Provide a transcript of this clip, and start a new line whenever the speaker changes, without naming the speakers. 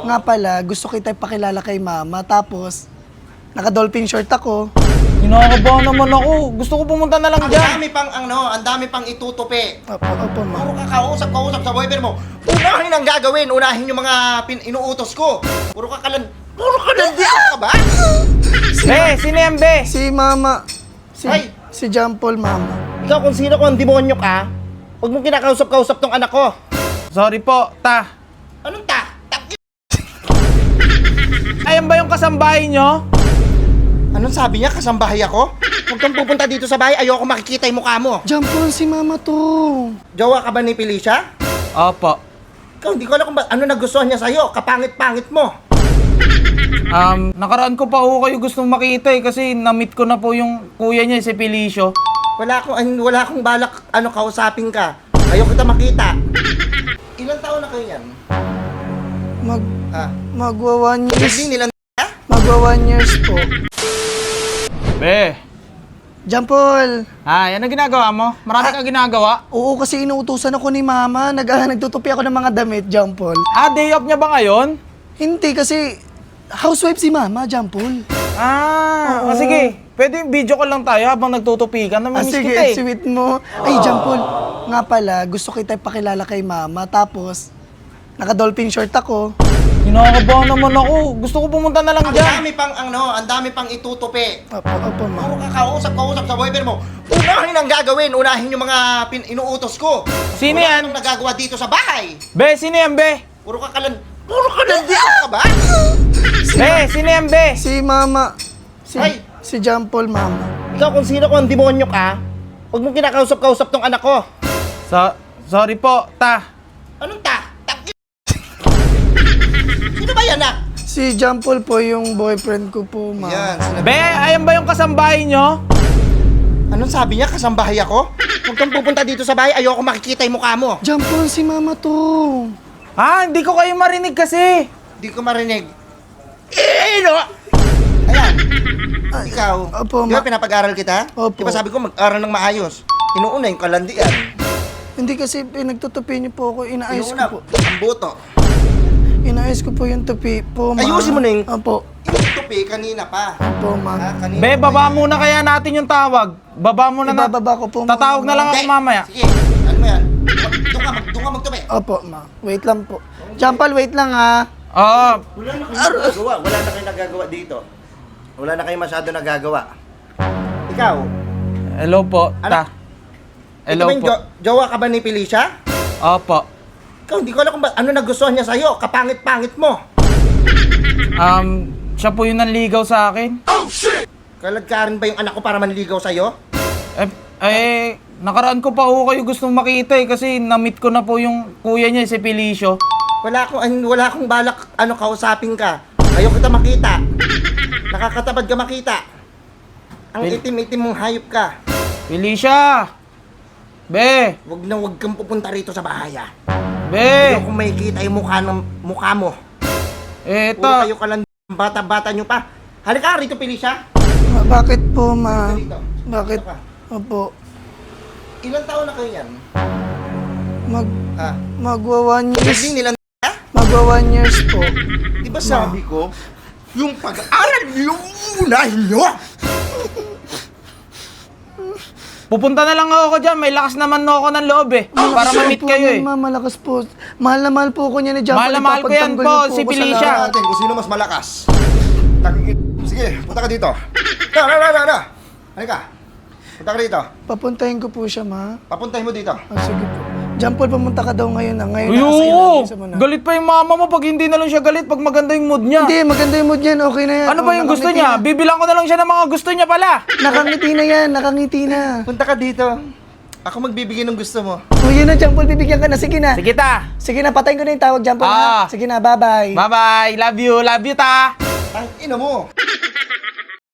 Nga pala, gusto kita ipakilala kay mama. Tapos, naka-dolphin short ako.
Kinakabahan naman ako. Gusto ko pumunta na lang
Ang
dyan.
dami pang itutupi.
Opo, ma.
Puro ka kausap sa boyfriend mo. Unahin ang gagawin, unahin yung mga inuutos ko. Puro ka kalandian ka ba?
Be, sino yan, be?
Si mama.
Ay!
Si John Paul, mama.
Ikaw kung sino ko ang demonyo ka, huwag mong kinakausap-kausap tong anak ko.
Sorry po, ta.
Anong ta?
Ayan ba yung kasambahay nyo?
Anong sabi niya? Kasambahay ako? Huwag kang pupunta dito sa bahay, ayoko makikita yung mukha mo.
John Paul, si mama to.
Jowa ka ba ni Felicia?
Opo.
Ikaw, hindi ko alam kung ano nagustuhan niya sa'yo. Kapangit-pangit mo.
Nakaraan ko pa ho kayo gustong makita eh kasi na-meet ko na po yung kuya niya, si Felicio.
Wala akong balak kausapin ka. Ayoko kita makita. Ilang taon na kayo yan?
Magwa 1 years.
Hindi nila
Magwa 1 years po.
Be.
John Paul.
Yan ang ginagawa mo? Marami kang ginagawa?
Oo, kasi inuutusan ako ni mama. Nagtutupi ako ng mga damit, John Paul.
Day off niya ba ngayon?
Hindi, kasi housewife si mama, John Paul. Oo.
Sige. Pwede video call lang tayo habang nagtutupi ka. Namimiss
Sige,
kita eh.
sweet mo. Ay, John Paul. Nga pala, gusto kita ipakilala kay mama. Tapos, naka-dolphin short ako.
Kinakabahan naman ako. Gusto ko pumunta na lang
Ang
dyan.
dami pang itutupi.
Opo, ma.
Puro ka kausap sa boyfriend mo. Unahin ang gagawin, unahin yung mga inuutos ko.
Sino
Wala
yan?
akong nagagawa dito sa bahay.
Be, sino yan, be?
Puro ka kalandian ka ba?
Be, sino yan, be?
Si mama.
Ay!
Si John Paul, mama.
Ikaw kung sino ko ang demonyo ka, huwag mong kinakausap-kausap tong anak ko.
Sorry po, ta.
Anong ta? Sino ba yan, anak?
Si John Paul po yung boyfriend ko po, mama.
Yan,
Be, ayan ba yung kasambahay nyo?
Anong sabi niya? Kasambahay ako? Huwag kang pupunta dito sa bahay, ayoko makikita yung mukha mo.
John Paul, si mama to.
Hindi ko kayo marinig kasi.
Hindi ko marinig. No! Ayan. Ikaw,
Opo,
di ba pinapag-aral kita?
Opo.
Di ba sabi ko mag-aral ng maayos? Inuuna yung kalandian.
Hindi kasi pinagtutupi niyo po ako, inaayos
Inuuna,
ko po.
ang buto.
Inaayos ko po yung tupi po, ma.
Ayusin mo na yung-
Opo.
Yung tupi, kanina pa.
Opo, ma.
Kanina
Be,
pa
baba
yan.
muna kaya natin yung tawag. Baba muna na.
Ibababa ko po, ma.
Tatawag na lang ako
Hindi.
mamaya.
Sige, ano mo yan? Doon ka magtupi.
Opo, ma. Wait lang po. John Paul, wait lang ha.
Oo.
Wala na kayong nagagawa dito. Wala na kayong masyado nagagawa. Ikaw,
Hello po, ta. Hello
ito ba yung
po.
jowa ka ba ni Felicia?
Opo.
Ikaw, hindi ko alam kung ano nagustuhan niya sa'yo. Kapangit-pangit mo.
Siya po yung nanligaw sa akin.
Kalagkarin ba yung anak ko para manligaw sa'yo?
Nakaraan ko pa ho kayo gustong makita eh kasi na-meet ko na po yung kuya niya, si Felicio.
Wala akong balak kausapin ka. Ayoko kita makita. Nakakatabad ka makita. Ang itim-itim mong hayop ka.
Felicia! Be!
Huwag kang pupunta rito sa bahay, ah.
Be!
Ayoko makikita yung mukha mo. Puro
Eto.
kayo ka lang bata-bata nyo pa. Halika rito, Felicia.
Bakit po, ma?
Dito.
Bakit?
Ano ka?
Opo.
Ilang taon na kayo yan?
Magwa 1 years.
Hindi nila
Magwa 1 years po.
Di ba sabi ko, yung pag-aaral niyo, unahin nyo!
Pupunta na lang ako dyan. May lakas naman ako ng loob eh. Para ma-meet
po
kayo
yan,
eh.
ma. Malakas po. Mahal na mahal po ko niya ni John Paul.
Mahal na mahal ko yan
Ipapagtanggol
po,
niyo
si
ako sa
Felicia.
lahat.
Natin kung sino mas malakas. Sige, punta ka dito. Na. Halika. Punta ka dito.
Papuntahin ko po siya, ma.
Papuntahin mo dito.
Sige po. John Paul, pumunta ka daw ngayon na. Ngayon
Ayun!
sa muna.
Galit pa yung mama mo pag hindi na lang siya galit pag maganda yung mood niya.
Hindi, maganda yung mood yan. Okay na yan.
Ano ba yung gusto niya? Bibilang ko na lang siya ng mga gusto niya pala.
Nakangiti na yan. Nakangiti na.
Punta ka dito. Ako magbibigay ng gusto mo.
O yun na, John Paul. Bibigyan ka na. Sige na.
Sige ta.
Sige na, patayin ko na yung tawag, John Paul. Ha? Sige na, bye-bye.
Bye-bye. Love you. Love you ta.
Ang ino mo.